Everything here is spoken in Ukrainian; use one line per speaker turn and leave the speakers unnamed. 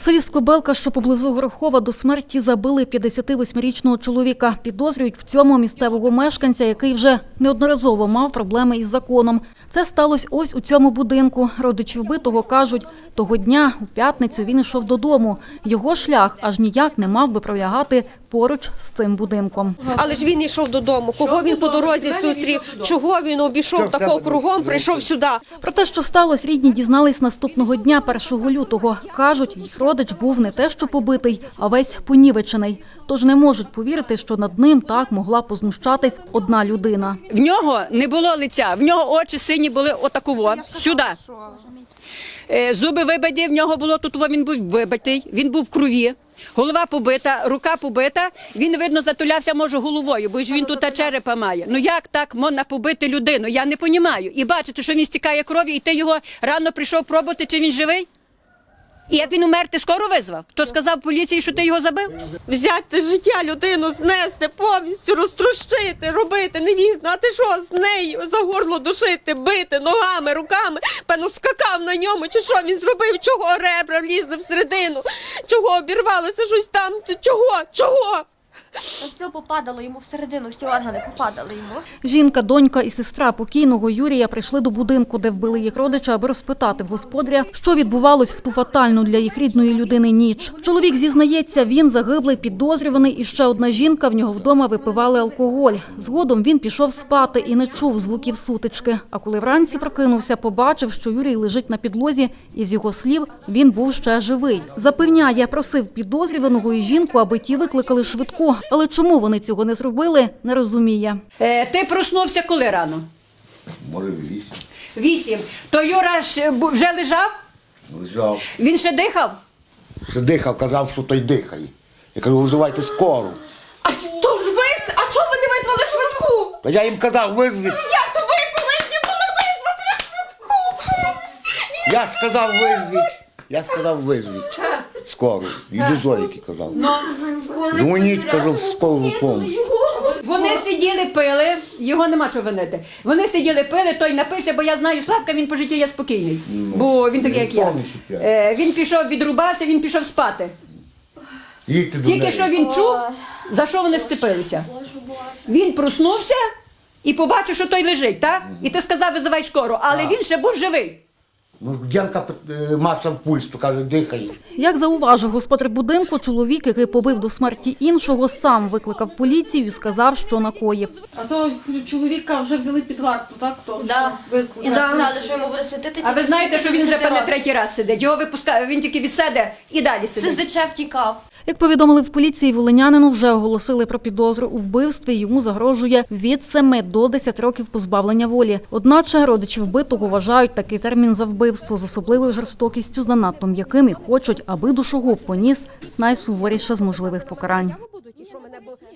У селі Скобелка, що поблизу Горохова, до смерті забили 58-річного чоловіка. Підозрюють в цьому місцевого мешканця, який вже неодноразово мав проблеми із законом. Це сталося ось у цьому будинку. Родичі вбитого кажуть, того дня, у п'ятницю, він йшов додому. Його шлях аж ніяк не мав би пролягати поруч з цим будинком.
Але ж він йшов додому. Кого він по дорозі зустрів? Чого він обійшов такого кругом, прийшов сюди?
Про те, що сталося, рідні дізнались наступного дня, 1 лютого. Кажуть, їх родич був не те що побитий, а весь понівечений. Тож не можуть повірити, що над ним так могла познущатись одна людина.
В нього не було лиця, в нього очі сині були отаково, сюди. Зуби вибиті, в нього було тут, він був вибитий, він був в крові. Голова побита, рука побита, він, видно, затулявся, може, головою, бо ж він тут черепа має. Ну як так можна побити людину? Я не розумію. І бачите, що він стікає кров'ю, і ти його рано прийшов пробувати, чи він живий? І як він умер, ти скоро визвав? Хто сказав поліції, що ти його забив?
Взяти життя людину, знести, повністю розтрощити, робити, не міг знати, що з нею, за горло душити, бити ногами, руками. Певно, скакав на ньому, чи що він зробив, чого ребра влізли всередину, чого обірвалося щось там, чого?
Все попадало йому всередину, всі органи попадали йому.
Жінка, донька і сестра покійного Юрія прийшли до будинку, де вбили їх родича, аби розпитати в господаря, що відбувалось в ту фатальну для їх рідної людини ніч. Чоловік зізнається, він загиблий, підозрюваний, і ще одна жінка в нього вдома випивали алкоголь. Згодом він пішов спати і не чув звуків сутички. А коли вранці прокинувся, побачив, що Юрій лежить на підлозі, і з його слів, він був ще живий. Запевняє, просив підозрюваного і жінку, аби ті викликали швидку. Але чому вони цього не зробили, не розуміє.
Ти проснувся коли рано?
Може, 8.
8. То Юра вже лежав?
Лежав.
Він ще дихав?
Ще дихав, казав, що той дихає. Я кажу, визивайте скору.
А то ж ви, а чого ви не визвали швидку?
Та я їм казав, визвіть.
Як то ви повинні були визвати швидку?
Я ж сказав, визвіть. Я сказав, визвіть. Скору. І до Зойки казав. Дзвоніть, кажу, в скору допомогу.
Вони сиділи, пили, його нема чого винити. Вони сиділи, пили, той напився, бо я знаю, Славка, він по житті є спокійний. Бо він такий, як я. Він пішов, відрубався, він пішов спати. Тільки що він чув, за що вони сцепилися. Він проснувся і побачив, що той лежить, так? І ти сказав, визивай скору, але він ще був живий.
Ну, Дянка маса в пульс, то каже, дихає.
Як зауважив господар будинку, чоловік, який побив до смерті іншого, сам викликав поліцію і сказав, що накоїв.
А то чоловіка вже взяли під варту, так? То,
Да.
що
І написали, що йому буде світити.
А ви знаєте, що він вже певне
3
третій раз сидить. Його випускає, він тільки відсяде і далі сидить.
СЗЧ втікав.
Як повідомили в поліції, волинянину вже оголосили про підозру у вбивстві. Йому загрожує від 7 до 10 років позбавлення волі. Одначе родичі вбитого вважають такий термін за вбивство з особливою жорстокістю занадто м'яким і хочуть, аби душогуб поніс найсуворіше з можливих покарань.